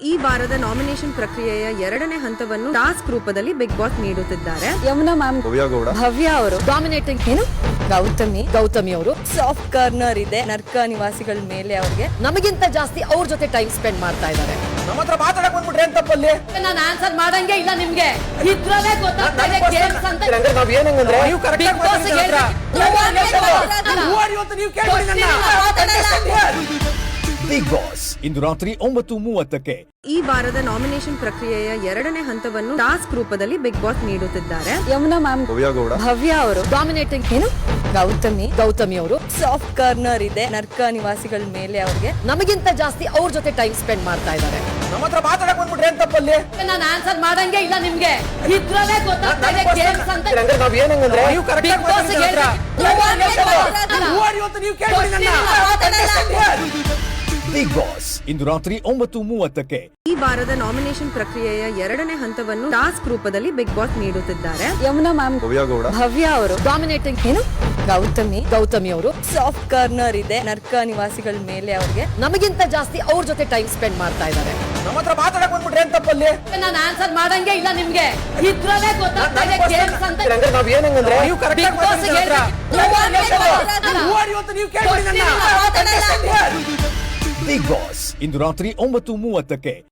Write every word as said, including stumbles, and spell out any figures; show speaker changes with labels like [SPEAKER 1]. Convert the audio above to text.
[SPEAKER 1] ಈ ವಾರದ ನಾಮಿನೇಷನ್ ಪ್ರಕ್ರಿಯೆಯ ಎರಡನೇ ಹಂತವನ್ನು ಟಾಸ್ಕ್ ರೂಪದಲ್ಲಿ ಬಿಗ್ ಬಾಸ್ ನೀಡುತ್ತಿದ್ದಾರೆ.
[SPEAKER 2] ಯಮುನಾ ಮ್ಯಾಮ್, ಭವ್ಯ ಅವರು ಡಾಮಿನೇಟಿಂಗ್ ಏನು ಗೌತಮಿ ಗೌತಮಿ ಅವರು ಸಾಫ್ಟ್ ಕಾರ್ನರ್ ಇದೆ ನರ್ಕ ನಿವಾಸಿಗಳ ಮೇಲೆ. ಅವ್ರಿಗೆ ನಮಗಿಂತ ಜಾಸ್ತಿ ಅವ್ರ ಜೊತೆ ಟೈಮ್ ಸ್ಪೆಂಡ್ ಮಾಡ್ತಾ ಇದ್ದಾರೆ.
[SPEAKER 3] ನಮ್ಮ ಹತ್ರ ಮಾತಾಡಕ್ ಬಂದ್ಬಿಟ್ರೆ ಏನ್ ತಪ್ಪಲ್ಲಿ?
[SPEAKER 2] ನಾನು ಆನ್ಸರ್ ಮಾಡಂಗೆ ಇಲ್ಲ ನಿಮ್ಗೆ. ಇದ್ರಲ್ಲೇ ಗೊತ್ತಾಗ್ತಾ ಇದೆ ಗೇಮ್ಸ್ ಅಂತ.
[SPEAKER 3] ನಾವ್ ಏನಂದ್ರೆ ನೀವು ಕರೆಕ್ಟ್
[SPEAKER 2] ಬಿಗ್ ಬಾಸ್
[SPEAKER 3] ಆಗಿ ನೀವು ಕೇಳ್ಬಿಡಿ ನನ್ನ.
[SPEAKER 4] ಬಿಗ್ ಬಾಸ್ ಇಂದು ರಾತ್ರಿ ಒಂಬತ್ತು ಮೂವತ್ತಕ್ಕೆ.
[SPEAKER 1] ಈ ವಾರದ ನಾಮಿನೇಷನ್ ಪ್ರಕ್ರಿಯೆಯ ಎರಡನೇ ಹಂತವನ್ನು ಟಾಸ್ಕ್ ರೂಪದಲ್ಲಿ ಬಿಗ್ ಬಾಸ್ ನೀಡುತ್ತಿದ್ದಾರೆ.
[SPEAKER 2] ಯಮುನಾ ಮ್ಯಾಮ್, ಭವ್ಯ ಅವರು ಡಾಮಿನೇಟಿಂಗ್ ಏನು ಗೌತಮಿ ಗೌತಮಿ ಅವರು ಸಾಫ್ಟ್ ಕಾರ್ನರ್ ಇದೆ ನರ್ಕ ನಿವಾಸಿಗಳ ಮೇಲೆ. ಅವ್ರಿಗೆ ನಮಗಿಂತ ಜಾಸ್ತಿ ಅವ್ರ ಜೊತೆ ಟೈಮ್ ಸ್ಪೆಂಡ್ ಮಾಡ್ತಾ ಇದ್ದಾರೆ.
[SPEAKER 3] ನಮ್ಮ ಹತ್ರ ಮಾತಾಡಕ್ ಬಂದ್ಬಿಟ್ರೆ ಏನ್ ತಪ್ಪಲ್ಲಿ?
[SPEAKER 2] ನಾನು ಆನ್ಸರ್ ಮಾಡಂಗೆ ಇಲ್ಲ ನಿಮ್ಗೆ. ಇದ್ರಲ್ಲೇ ಗೊತ್ತಾಗ್ತಾ ಇದೆ ಗೇಮ್ಸ್ ಅಂತ.
[SPEAKER 3] ನಾವ್ ಏನಂದ್ರೆ ನೀವು ಕರೆಕ್ಟ್
[SPEAKER 2] ಬಿಗ್ ಬಾಸ್
[SPEAKER 3] ನೀವು ಕೇಳ್ಬಿಡಿ ನನ್ನ.
[SPEAKER 4] ಬಿಗ್ ಬಾಸ್ ಇಂದು ರಾತ್ರಿ ಒಂಬತ್ತು ಮೂವತ್ತಕ್ಕೆ.
[SPEAKER 1] ಈ ವಾರದ ನಾಮಿನೇಷನ್ ಪ್ರಕ್ರಿಯೆಯ ಎರಡನೇ ಹಂತವನ್ನು ಟಾಸ್ಕ್ ರೂಪದಲ್ಲಿ ಬಿಗ್ ಬಾಸ್ ನೀಡುತ್ತಿದ್ದಾರೆ.
[SPEAKER 2] ಯಮುನಾ ಮ್ಯಾಮ್, ಭವ್ಯ ಅವರು ಡಾಮಿನೇಟಿಂಗ್ ಏನು ಗೌತಮಿ ಗೌತಮಿ ಅವರು ಸಾಫ್ಟ್ ಕಾರ್ನರ್ ಇದೆ ನರ್ಕ ನಿವಾಸಿಗಳ ಮೇಲೆ. ಅವ್ರಿಗೆ ನಮಗಿಂತ ಜಾಸ್ತಿ ಅವ್ರ ಜೊತೆ ಟೈಮ್ ಸ್ಪೆಂಡ್ ಮಾಡ್ತಾ ಇದ್ದಾರೆ.
[SPEAKER 3] ನಮ್ಮ ಹತ್ರ ಮಾತಾಡಕ್ ಬಂದ್ಬಿಟ್ರೆ ಏನ್ ತಪ್ಪಲ್ಲಿ?
[SPEAKER 2] ನಾನು ಆನ್ಸರ್ ಮಾಡಂಗೆ ಇಲ್ಲ ನಿಮ್ಗೆ. ಇದ್ರಲ್ಲೇ ಗೊತ್ತಾಗ್ತಾ ಇದೆ ಗೇಮ್ಸ್ ಅಂತ.
[SPEAKER 3] ನಾವ್ ಏನಂದ್ರೆ ನೀವು ಕರೆಕ್ಟ್
[SPEAKER 2] ಬಿಗ್ ಬಾಸ್
[SPEAKER 3] ನೀವು ಕೇಳ್ಬಿಡಿ ನನ್ನ.
[SPEAKER 4] ಬಿಗ್ ಬಾಸ್ ಇಂದು ರಾತ್ರಿ ಒಂಬತ್ತು ಮೂವತ್ತಕ್ಕೆ.